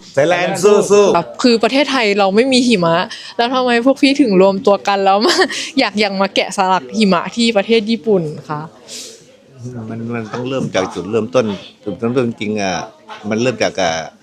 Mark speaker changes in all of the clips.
Speaker 1: ไทยแลนด์สู้
Speaker 2: คือประเทศไทยเราไม่มีหิมะแล้วทำไมพวกพี่ถึงรวมตัวกันแล้วมาอยากมาแกะสลักหิมะที่ประเทศญี่ปุ่นคะ
Speaker 1: มันต้องเริ่มจากจุดเริ่มต้นจริงๆมันเริ่มจาก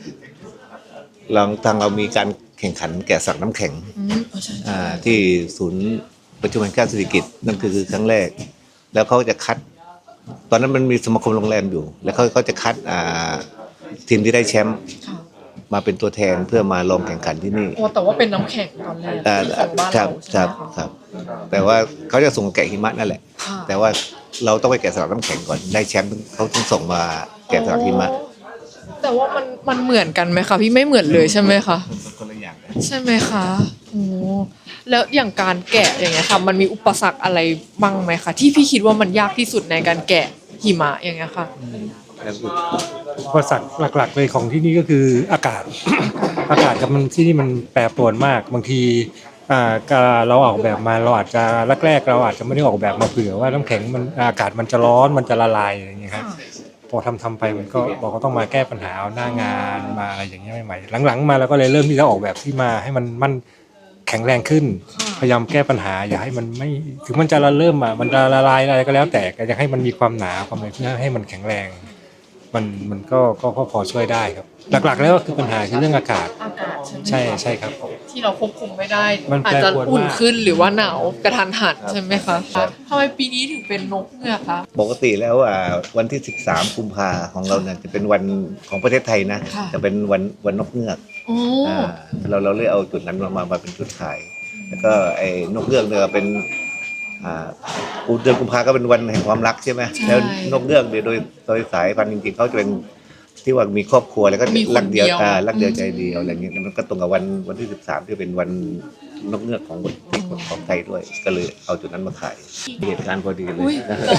Speaker 1: ทางเรามีการแข่งขันแกะสลักน้ำแข็งที่ศูนย์ประชุมแห่งชาติสิริกิติ์นั่นคือครั้งแรกแล้วเขาจะคัดตอนนั้นมันมีสมาคมโรงแรมอยู่แล้วเขาจะคัดทีมที่ได้แชมป์มาเป็นตัวแทนเพื่อมาลงแข่งขันที่นี่
Speaker 2: แต่ว่าเป็นน้ำแข็งตอนแรกของบ้านเรา
Speaker 1: ครับแต่ว่าเขาจะส่งแกะหิมะนั่นแหละแต่ว่าเราต้องไปแกะสลักน้ำแข็งก่อนได้แชมป์เขาต้องส่งมาแกะสลักหิมะ
Speaker 2: แต่ว่ามันเหมือนกันไหมคะพี่ไม่เหมือนเลยใช่ไหมคะ
Speaker 1: คนละอย่าง
Speaker 2: ใช่ไหมคะโอ้แล้วอย่างการแกะอย่างเงี้ยค่ะมันมีอุปสรรคอะไรบ้างไหมคะที่พี่คิดว่ามันยากที่สุดในการแกะหิมะอย่างเงี้ยค่ะ
Speaker 3: อุปสรรคหลักๆเลยของที่นี่ก็คืออากาศ อากาศกับมันที่นี่มันแปรปรวนมากบางทีเราออกแบบมาเราอาจจะแรกๆเราอาจจะไม่ได้ออกแบบมาเผื่อว่าน้ำแข็งมันอากาศมันจะร้อนมันจะละลายอย่างเงี้ยครับพอทำไปมันก็บอกว่าต้องมาแก้ปัญหาเอาหน้างานมาอะไรอย่างเงี้ยใหม่ๆหลังๆมาเราก็เลยเริ่มที่จะออกแบบที่มาให้มันแข็งแรงขึ้นพยายามแก้ปัญหาอย่าให้มันไม่ถึงมันจะมันจะละลายอะไรก็แล้วแต่อยากให้มันมีความหนาความอะไรเพื่อให้มันแข็งแรงมันก็พอช่วยได้ครับหลักๆแล้วก็คือปัญหาคือเรื่องอากาศใช่ครับ
Speaker 2: ที่เราควบคุมไม่ได้อาจจะอุ่นขึ้นหรือว่าหนาวกระทันหันใช่ไหมคะทำไมปีนี้ถึงเป็นนกเงือกคะ
Speaker 1: ปกติแล้ววันที่13กุมภาของเราเนี่ยจะเป็นวันของประเทศไทยนะจะเป็นวันนกเงือกเราเลยเอาจุดนั้นมาเป็นจุดขายแล้วก็ไอ้นกเงือกเนี่ยเป็นเดือนกุมภาก็เป็นวันแห่งความรักใช่ไหมแล้วนกเงือกเนี่ยโดยสายพันธุ์จริงๆเขาจะเป็นที่ว่ามีครอบครัวแล้วก็รักเดียวใจเดียวอะไรเงี้ยมันก็ตรงกับวันที่13ที่เป็นวันนกเงือกของไทยด้วยก็เลยเอาจุดนั้นมาขายเหตุการณ์พอดีเลย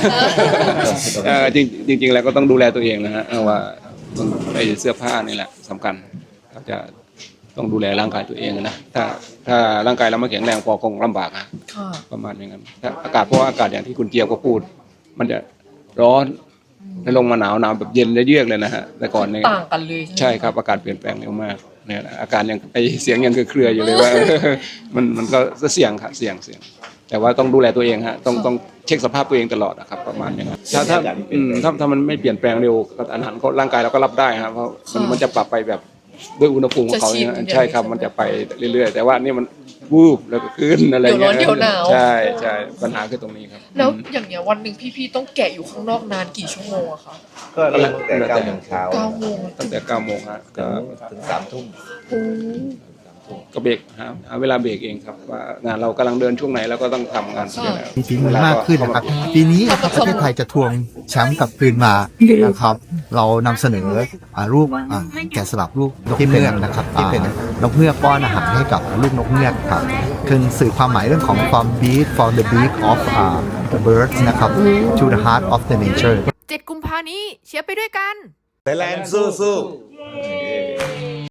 Speaker 4: จริงแล้วก็ต้องดูแลตัวเองนะฮะว่าไอ้เสื้อผ้านี่แหละสำคัญเราจะต้องดูแลร่างกายตัวเองนะถ้าร่างกายเราไม่แข็งแรงพอคงลำบากนะประมาณอย่างนั้นถ้าอากาศเพราะอากาศอย่างที่คุณเจียวก็พูดมันจะร้อนแล้วลงมาหนาวแบบเย็นเยือกเลยนะฮะแต่ก่อนเนี่ย
Speaker 2: ต่างกันเลย
Speaker 4: ใช่ครับอากาศเปลี่ยนแปลงเร็วมากเนี่ยอาการยังไอเสียงยังเครืออยู่เลยว่ามันก็เสี่ยงครับเสี่ยงแต่ว่าต้องดูแลตัวเองฮะต้องเช็คสภาพตัวเองตลอดนะครับประมาณอย่างนั้นถ้ามันไม่เปลี่ยนแปลงเร็วอาหารร่างกายเราก็รับได้ครับเพราะมันจะปรับไปแบบด้วยอุณหภูมิของเขาใช่ครับมันจะไปเรื่อยๆแต่ว่านี่มันวูบแล้วก็ขึ้นอะไรเงี้ย
Speaker 2: เดี๋ยวร้อนเดี๋ยวหนาว
Speaker 4: ใช่ปัญหาคือตรงนี้ครับ
Speaker 2: แล้วอย่างเงี้ยวันหนึ่งพี่ๆต้องแกะอยู่ข้างนอกนานกี่ชั่วโมงอะคะ
Speaker 1: ก็เริ่มตั้งแต่9 โมงเช้า
Speaker 4: ตั้งแต่9 โมงฮะ
Speaker 1: ถึง3 ทุ่ม
Speaker 4: ก็เบรกหาเวลาเบรกเองครับว่างานเรากำลังเดินช่วงไหนแล้วก็ต้องทำงาน
Speaker 5: มีฝีมือมากขึ้นนะครับปีนี้นะครับประเทศไทยจะทวงแชมป์กลับคืนมานะครับเรานำเสนอรูปแกะสลักรูปนกเงือกนะครับที่เป็นนกเงือกป้อนอาหารให้กับลูกนกเงือกครับคือสื่อความหมายเรื่องของ from the beak of the birds นะครับ to the heart of the nature
Speaker 6: 7 กุมภาพันธ์นี้เชียร์ไปด้วยกัน
Speaker 1: ไทยแลนด์สู้